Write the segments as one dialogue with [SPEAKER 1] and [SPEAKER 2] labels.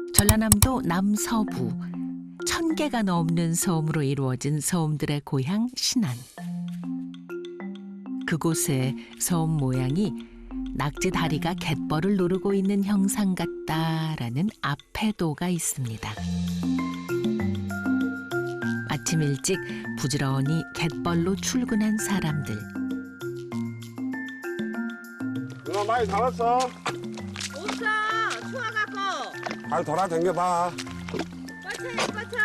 [SPEAKER 1] 전라남도 남서부 1000개가 넘는 섬으로 이루어진 섬들의 고향 신안. 그곳의 섬 모양이 낙지 다리가 갯벌을 누르고 있는 형상 같다라는 앞해도가 있습니다. 아침 일찍 부지런히 갯벌로 출근한 사람들.
[SPEAKER 2] 누나 많이 잡았어.
[SPEAKER 3] 없어. 추워갖고.
[SPEAKER 2] 잘 돌아다녀봐.
[SPEAKER 3] 뻗쳐.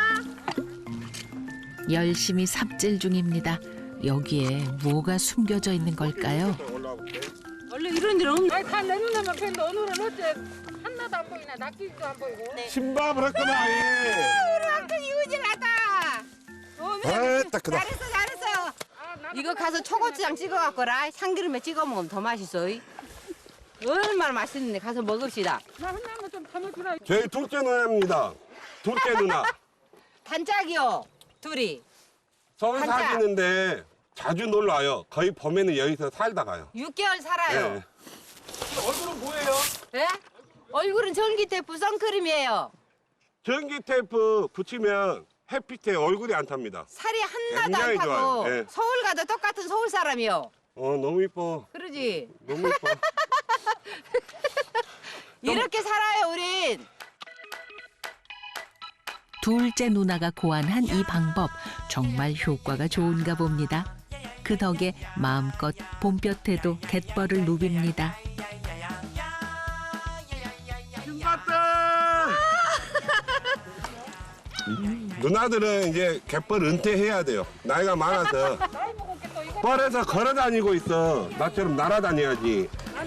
[SPEAKER 1] 열심히 삽질 중입니다. 여기에 뭐가 숨겨져 있는 걸까요?
[SPEAKER 2] 올라볼게.
[SPEAKER 3] 원래 이런 일 없는.
[SPEAKER 4] 아니 다 내 눈에만 뵀는데 오늘은 어째 하나도 안 보이나 낙지도 안 보이고.
[SPEAKER 2] 신밥을 했구나.
[SPEAKER 3] 우리 왕큰 이우질하다.
[SPEAKER 2] 딱 그다.
[SPEAKER 3] 잘했어. 이거 가서 초고추장 찍어갖고라. 참기름에 찍어 먹으면 더 맛있어. 얼마나 맛있는데 가서 먹읍시다.
[SPEAKER 4] 나 하나만 좀 담아주라.
[SPEAKER 2] 저희 둘째 누나입니다. 둘째 누나.
[SPEAKER 3] 단짝이요. 둘이.
[SPEAKER 2] 서울
[SPEAKER 3] 한자.
[SPEAKER 2] 사시는데 자주 놀러 와요. 거의 봄에는 여기서 살다 가요.
[SPEAKER 3] 6개월 살아요.
[SPEAKER 2] 네.
[SPEAKER 5] 얼굴은 뭐예요?
[SPEAKER 3] 예? 얼굴은 전기테프 선크림이에요.
[SPEAKER 2] 전기 테이프 붙이면 햇빛에 얼굴이 안 탑니다.
[SPEAKER 3] 살이 하나도
[SPEAKER 2] 굉장히
[SPEAKER 3] 안 타고
[SPEAKER 2] 좋아요. 예.
[SPEAKER 3] 서울 가도 똑같은 서울 사람이요.
[SPEAKER 2] 너무 이뻐.
[SPEAKER 3] 그러지?
[SPEAKER 2] 너무 이뻐.
[SPEAKER 3] 이렇게 살아요, 우린.
[SPEAKER 1] 둘째 누나가 고안한 이 방법 정말 효과가 좋은가 봅니다. 그 덕에 마음껏 봄볕에도 갯벌을 누빕니다.
[SPEAKER 2] 누나들은 이제 갯벌 은퇴해야 돼요. 나이가 많아서. 뻘에서 걸어 다니고 있어. 나처럼 날아다녀야지.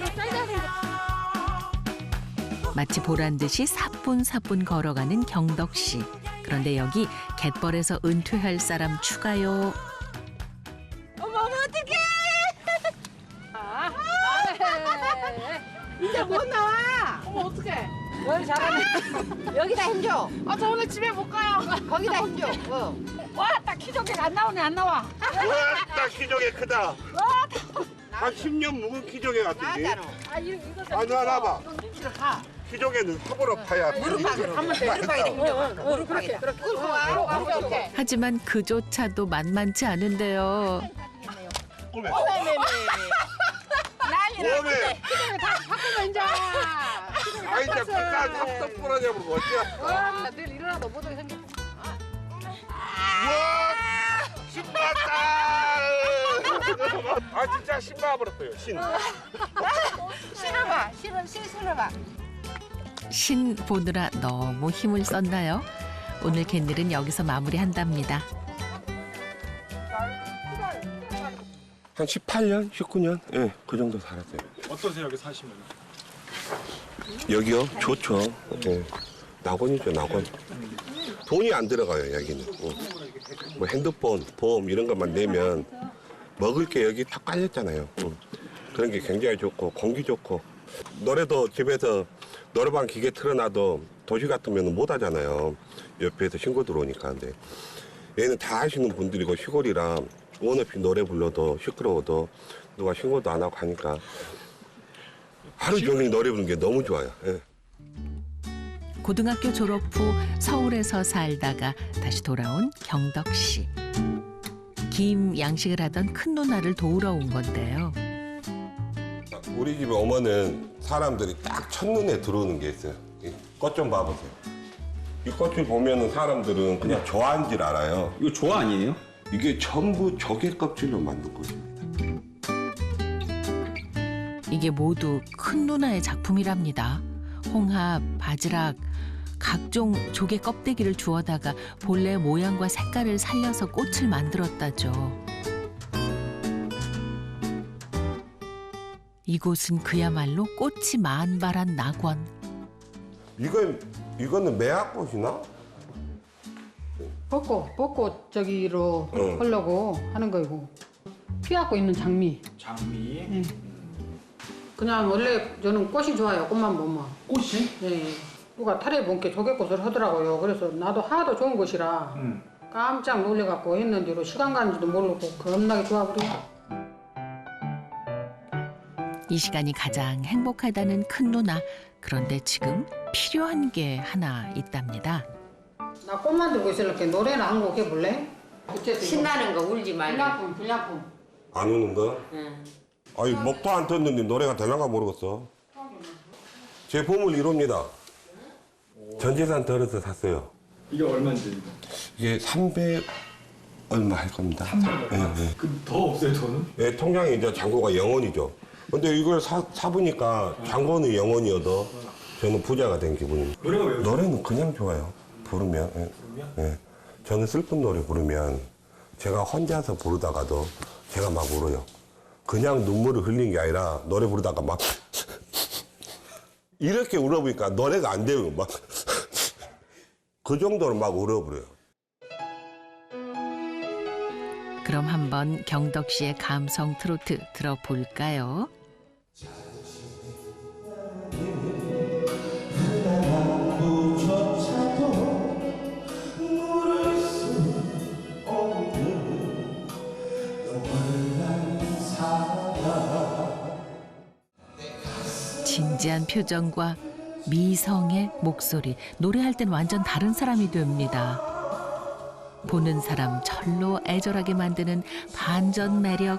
[SPEAKER 1] 마치 보란 듯이 사뿐사뿐 걸어가는 경덕 씨. 그런데 여기 갯벌에서 은퇴할 사람 추가요.
[SPEAKER 3] 어머, 어떡해! 이제 못 나와!
[SPEAKER 4] 어머 어떡해.
[SPEAKER 3] 뭘 잘하네. 여기다 힘줘.
[SPEAKER 4] 저 오늘 집에 못 가요.
[SPEAKER 3] 거기다 힘줘.
[SPEAKER 4] 와, 딱 키조개가 안 나오네 안 나와.
[SPEAKER 2] 우와, 딱 키조개 크다. 한 10년 묵은 키조개 같은데.
[SPEAKER 3] 나왔잖아.
[SPEAKER 4] 아 이거
[SPEAKER 2] 아, 누나 나봐.
[SPEAKER 4] 눈치를 가.
[SPEAKER 2] 키조개는 삽으로 파야.
[SPEAKER 3] 무릎팍으로. 무릎팍에다 힘줘. 무릎팍에. 끌고 와. 오케이.
[SPEAKER 1] 하지만 그조차도 만만치 않은데요.
[SPEAKER 2] 꼬매.
[SPEAKER 3] 난리나.
[SPEAKER 2] 꼬매.
[SPEAKER 4] 바꾸면 이제.
[SPEAKER 2] 아, 이제 끝까지 합석 부러져버리고 어찌야.
[SPEAKER 4] 와, 내일 일어나도 못 오게 생겼어.
[SPEAKER 2] 우와! 신봤다! 아, 진짜 신봐버렸어요, 신.
[SPEAKER 3] 실어봐. 실어봐.
[SPEAKER 1] 신 보느라 너무 힘을 썼나요? 오늘 갯일은 여기서 마무리한답니다.
[SPEAKER 2] 한 18년? 19년? 예, 그 정도 살았어요.
[SPEAKER 5] 어떠세요 여기 사시면?
[SPEAKER 2] 여기요? 좋죠. 예. 낙원이죠, 낙원. 돈이 안 들어가요, 여기는. 뭐 핸드폰, 보험 이런 것만 내면 먹을 게 여기 다 깔렸잖아요. 그런 게 굉장히 좋고, 공기 좋고. 노래도 집에서 노래방 기계 틀어놔도 도시 같으면 못 하잖아요. 옆에서 신고 들어오니까. 근데 얘는 다 하시는 분들이고 시골이라 원 없이 노래 불러도 시끄러워도 누가 신고도 안 하고 하니까 하루 종일 노래 부르는 게 너무 좋아요. 예.
[SPEAKER 1] 고등학교 졸업 후 서울에서 살다가 다시 돌아온 경덕 씨. 김 양식을 하던 큰 누나를 도우러 온 건데요.
[SPEAKER 2] 우리 집에 오면은 사람들이 딱 첫눈에 들어오는 게 있어요. 꽃 좀 봐보세요. 이 꽃을 보면은 사람들은 그냥 좋아하는 줄 알아요.
[SPEAKER 5] 이거 조화 아니에요?
[SPEAKER 2] 이게 전부 조개 껍질로 만든 것입니다.
[SPEAKER 1] 이게 모두 큰 누나의 작품이랍니다. 홍합, 바지락, 각종 조개 껍데기를 주워다가 본래 모양과 색깔을 살려서 꽃을 만들었다죠. 이곳은 그야말로 꽃이 만발한 낙원.
[SPEAKER 2] 이거는 매화꽃이나?
[SPEAKER 4] 벚꽃 저기로
[SPEAKER 2] 응.
[SPEAKER 4] 하려고 하는 거이고. 피갖고 있는 장미.
[SPEAKER 5] 장미.
[SPEAKER 4] 그냥 원래 저는 꽃이 좋아요. 꽃만 보면.
[SPEAKER 5] 꽃이?
[SPEAKER 4] 예. 누가 탈에 본게 조개꽃을 하더라고요. 그래서 나도 하도 좋은 곳이라 깜짝 놀래갖고 했는데로 시간 가는지도 모르고 겁나게 좋아버리고.
[SPEAKER 1] 이 시간이 가장 행복하다는 큰 누나. 그런데 지금 필요한 게 하나 있답니다.
[SPEAKER 4] 나 꽃 만들고 있으니까 노래나 한 곡 해볼래?
[SPEAKER 3] 신나는 거 울지 말고.
[SPEAKER 4] 불량품.
[SPEAKER 2] 안 우는 거?
[SPEAKER 3] 응.
[SPEAKER 2] 아니 목도 안 떴는데 노래가 되나가 모르겠어. 제 보물 이룹니다. 전 재산 덜어서 샀어요.
[SPEAKER 5] 이게 얼마인지.
[SPEAKER 2] 이게 300 얼마 할 겁니다.
[SPEAKER 5] 300 얼마?
[SPEAKER 2] 네.
[SPEAKER 5] 그럼 더 없어요, 돈은?
[SPEAKER 2] 네, 통장에 이제 잔고가 0원이죠. 근데 이걸 사보니까 잔고는 0원이어도 저는 부자가 된 기분입니다.
[SPEAKER 5] 노래가 왜
[SPEAKER 2] 노래는 그냥 좋아요. 부르면. 예. 예. 저는 슬픈 노래 부르면 제가 혼자서 부르다가도 제가 막 울어요. 그냥 눈물을 흘린 게 아니라 노래 부르다가 막 이렇게 울어보니까 노래가 안 돼요. 막 그 정도로 막 울어버려요.
[SPEAKER 1] 그럼 한번 경덕 씨의 감성 트로트 들어볼까요? 진지한 표정과 미성의 목소리, 노래할 땐 완전 다른 사람이 됩니다. 보는 사람 절로 애절하게 만드는 반전 매력.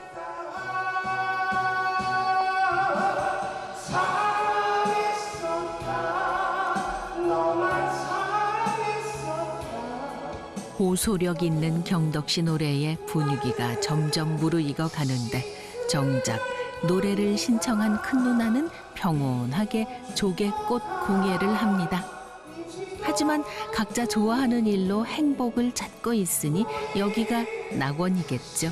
[SPEAKER 1] 호소력 있는 경덕 씨 노래에 분위기가 점점 무르익어 가는데 정작 노래를 신청한 큰 누나는 평온하게 조개꽃 공예를 합니다. 하지만 각자 좋아하는 일로 행복을 찾고 있으니 여기가 낙원이겠죠.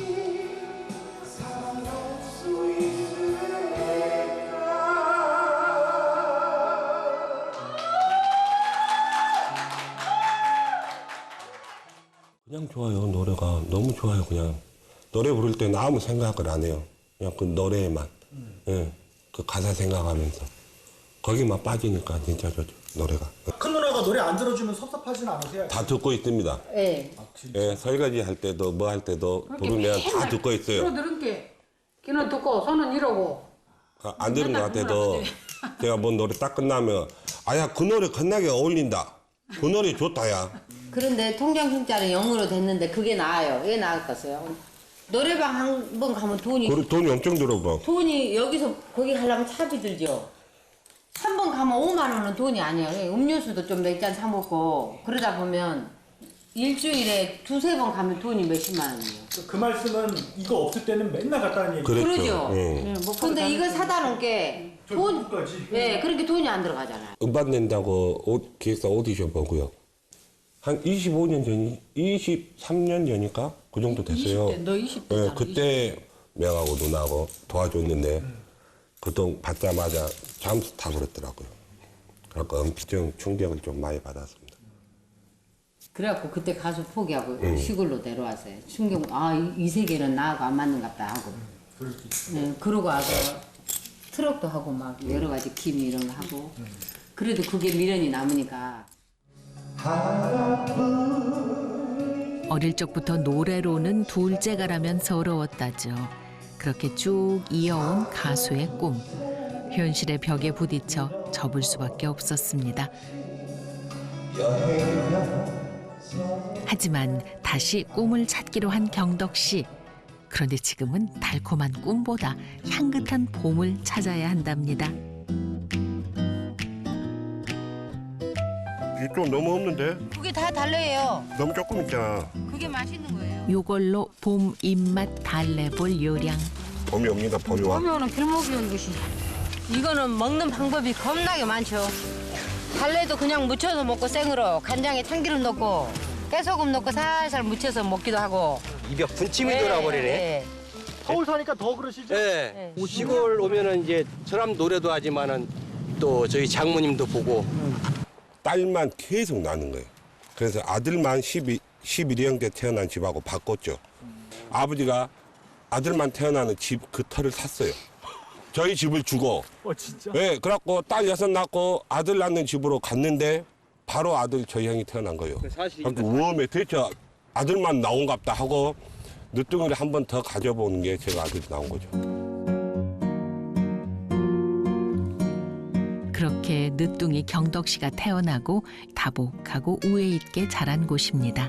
[SPEAKER 2] 그냥 좋아요. 노래가 너무 좋아요. 그냥 노래 부를 때는 아무 생각을 안 해요. 그냥 그 노래에만 예, 그 가사 생각하면서 거기만 빠지니까 진짜 좋죠. 노래가
[SPEAKER 5] 큰 누나가 노래 안 들어주면 섭섭하진 않으세요?
[SPEAKER 2] 다 듣고 있습니다.
[SPEAKER 3] 예.
[SPEAKER 2] 예, 설거지 할 때도 뭐 할 때도 부르면 다 듣고 있어요.
[SPEAKER 4] 들어들은 게 귀는 듣고 손은 이러고.
[SPEAKER 2] 안 들은 것 같아도 제가 뭔 노래 딱 끝나면 아야 그 노래 겁나게 어울린다. 그 노래 좋다 야.
[SPEAKER 3] 그런데 통장 흰자는 0으로 됐는데 그게 나아요. 왜 나을까요? 노래방 한 번 가면
[SPEAKER 2] 돈이 엄청 들어 뭐.
[SPEAKER 3] 돈이 여기서 거기 가려면 차비 들죠. 한 번 가면 5만 원은 돈이 아니에요. 음료수도 좀 몇 잔 사 먹고 그러다 보면 일주일에 두세 번 가면 돈이 몇십만 원이에요.
[SPEAKER 5] 그 말씀은 이거 없을 때는 맨날 갔다는 얘기.
[SPEAKER 2] 그랬죠.
[SPEAKER 3] 그러죠.
[SPEAKER 2] 예.
[SPEAKER 3] 근데 이거 사다 놓은 게 돈,
[SPEAKER 5] 까지
[SPEAKER 3] 네, 그렇게 돈이 안 들어가잖아요.
[SPEAKER 2] 음반 낸다고 기획사 오디션 보고요. 한 25년 전이 23년 전이니까 그 정도 됐어요.
[SPEAKER 4] 20대, 너 20대
[SPEAKER 2] 예,
[SPEAKER 4] 잖아,
[SPEAKER 2] 그때 명하고 누나하고 도와줬는데 그 돈 받자마자 잠수 타버렸더라고요. 그러니까 엄청 충격을 좀 많이 받았습니다.
[SPEAKER 3] 그래갖고 그때 가수 포기하고 시골로 내려왔어요. 충격, 이 세계는 나하고 안 맞는갑다 하고. 네, 그러고 와서 트럭도 하고 막 여러 가지 김 이런 거 하고. 그래도 그게 미련이 남으니까.
[SPEAKER 1] 어릴 적부터 노래로는 둘째가라면 서러웠다죠. 그렇게 쭉 이어온 가수의 꿈. 현실의 벽에 부딪혀 접을 수밖에 없었습니다. 하지만 다시 꿈을 찾기로 한 경덕 씨. 그런데 지금은 달콤한 꿈보다 향긋한 봄을 찾아야 한답니다.
[SPEAKER 2] 이게 좀 너무 없는데?
[SPEAKER 3] 그게 다 달래요.
[SPEAKER 2] 너무 조금 있잖아.
[SPEAKER 3] 그게 맛있는 거예요.
[SPEAKER 1] 요걸로 봄 입맛 달래볼 요량.
[SPEAKER 2] 봄이 옵니다. 봄이 와.
[SPEAKER 3] 그러면은 길목이 온 것이. 이거는 먹는 방법이 겁나게 많죠. 달래도 그냥 무쳐서 먹고 생으로 간장에 참기름 넣고 깨소금 넣고 살살 무쳐서 먹기도 하고.
[SPEAKER 6] 입에 군침이 돌아버리네.
[SPEAKER 3] 네.
[SPEAKER 5] 서울 사니까 더 그러시죠?
[SPEAKER 6] 네. 시골 오면은 이제 저람 노래도 하지만은 또 저희 장모님도 보고
[SPEAKER 2] 딸만 계속 나는 거예요. 그래서 아들만 11형 때 태어난 집하고 바꿨죠. 아버지가 아들만 태어나는 집 그 터를 샀어요. 저희 집을 주고.
[SPEAKER 5] 진짜?
[SPEAKER 2] 네, 그래갖고 딸 6 낳고 아들 낳는 집으로 갔는데 바로 아들 저희 형이 태어난 거예요.
[SPEAKER 6] 사실
[SPEAKER 2] 그래서 우엄에 대체 아들만 나온갑다 하고 늦둥이를 한 번 더 가져보는 게 제가 아들이 나온 거죠.
[SPEAKER 1] 그렇게 늦둥이 경덕 씨가 태어나고 다복하고 우애 있게 자란 곳입니다.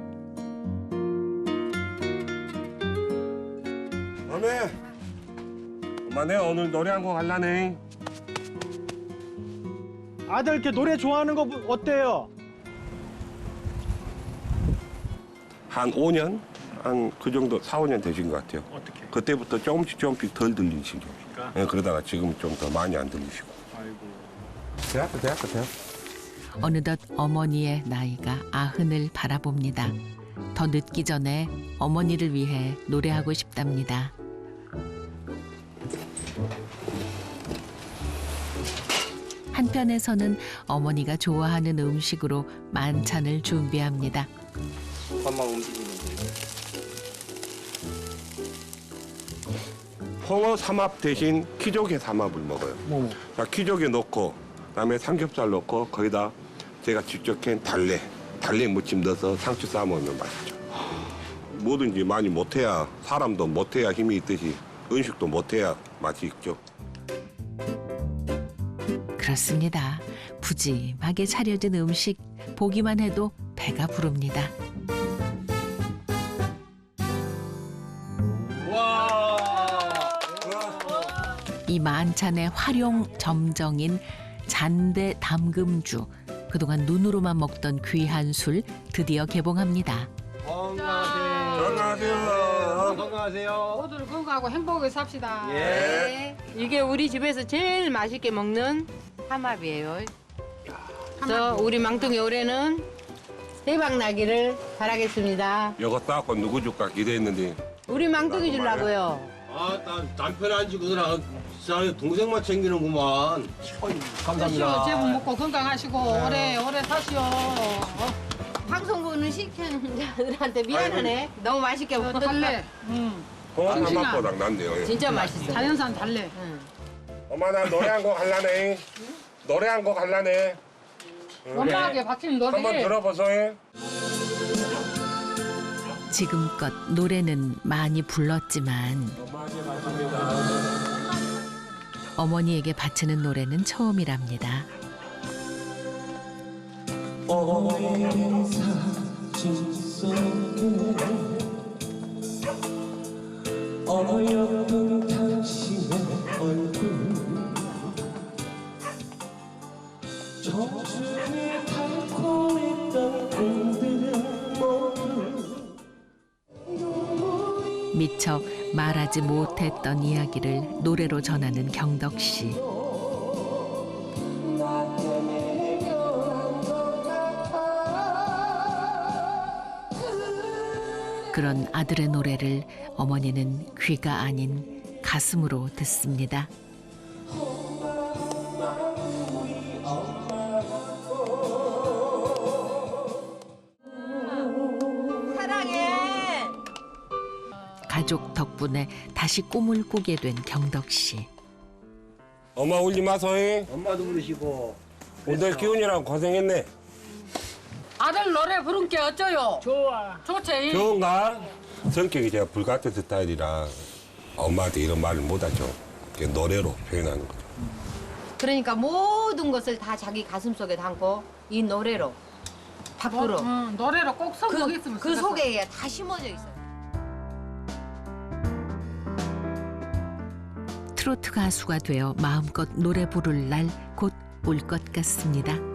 [SPEAKER 2] 엄마 내가 오늘 노래 한 곡 할라네.
[SPEAKER 5] 아들 이렇게 노래 좋아하는 거 어때요?
[SPEAKER 2] 한 5년? 한 그 정도 4, 5년 되신 것 같아요.
[SPEAKER 5] 어떻게?
[SPEAKER 2] 그때부터 조금씩 덜 들리시고.
[SPEAKER 5] 그러니까?
[SPEAKER 2] 예, 그러다가 지금 좀 더 많이 안 들리시고.
[SPEAKER 5] 아이고.
[SPEAKER 2] 대학교.
[SPEAKER 1] 어느덧 어머니의 나이가 90을 바라봅니다. 더 늦기 전에 어머니를 위해 노래하고 싶답니다. 한편에서는 어머니가 좋아하는 음식으로 만찬을 준비합니다.
[SPEAKER 6] 밥만 움직이는데.
[SPEAKER 2] 홍어 삼합 대신 키조개 삼합을 먹어요. 자, 키조개 넣고 그다음에 삼겹살 넣고 거기다 제가 직접 캔 달래 무침 넣어서 상추 싸 먹으면 맛있죠. 뭐든지 많이 못해야 사람도 못해야 힘이 있듯이 음식도 못해야 맛이 있죠.
[SPEAKER 1] 그렇습니다. 푸짐하게 차려진 음식 보기만 해도 배가 부릅니다. 이 만찬의 활용 점정인 잔대 담금주. 그동안 눈으로만 먹던 귀한 술 드디어 개봉합니다.
[SPEAKER 6] 건강하세요.
[SPEAKER 4] 모두 건강하고 행복하게 삽시다.
[SPEAKER 3] 네. 이게 우리 집에서 제일 맛있게 먹는 삼합이에요. 저 우리 망둥이 올해는 대박 나기를 바라겠습니다.
[SPEAKER 2] 이거 따고 누구 줄까 기대했는데
[SPEAKER 3] 우리 망둥이 주려고요.
[SPEAKER 6] 남편 안 지고 누나 동생만 챙기는구만. 감사합니다.
[SPEAKER 4] 제복 먹고 건강하시고 오래 사시오.
[SPEAKER 3] 방송국은 시청자들한테 미안하네. 너무 맛있게 먹어.
[SPEAKER 4] 달래.
[SPEAKER 2] 홍어
[SPEAKER 4] 싱싱한.
[SPEAKER 2] 삼합보다 낫네요.
[SPEAKER 3] 진짜 맛있어.
[SPEAKER 4] 자연산 달래.
[SPEAKER 2] 엄마 나 노래 한 곡 할라네. 노래 한 곡 할라네.
[SPEAKER 4] 엄마에게 바치는 노래.
[SPEAKER 2] 한번 들어보세요.
[SPEAKER 1] 지금껏 노래는 많이 불렀지만 어머니에게 바치는 노래는 처음이랍니다.
[SPEAKER 7] 어여쁜 당신의 얼굴 청춘이 달콤했던 꿈들은 모두
[SPEAKER 1] 미처 말하지 못했던 이야기를 노래로 전하는 경덕 씨. 그런 아들의 노래를 어머니는 귀가 아닌 가슴으로 듣습니다.
[SPEAKER 3] 사랑해.
[SPEAKER 1] 가족 덕분에 다시 꿈을 꾸게 된 경덕 씨.
[SPEAKER 2] 엄마 울지 마소잉.
[SPEAKER 6] 엄마도 부르시고.
[SPEAKER 2] 오늘 기훈이랑 고생했네.
[SPEAKER 4] 아들 노래 부른 게 어쩌요? 좋아. 좋지.
[SPEAKER 2] 좋은가? 성격이 제가 불같은 스타일이라 엄마한테 이런 말을 못하죠. 그냥 노래로 표현하는 거죠.
[SPEAKER 3] 그러니까 모든 것을 다 자기 가슴 속에 담고 이 노래로 밖으로
[SPEAKER 4] 노래로 꼭 성공했으면
[SPEAKER 3] 그 속에 다 심어져 있어요.
[SPEAKER 1] 트로트 가수가 되어 마음껏 노래 부를 날 곧 올 것 같습니다.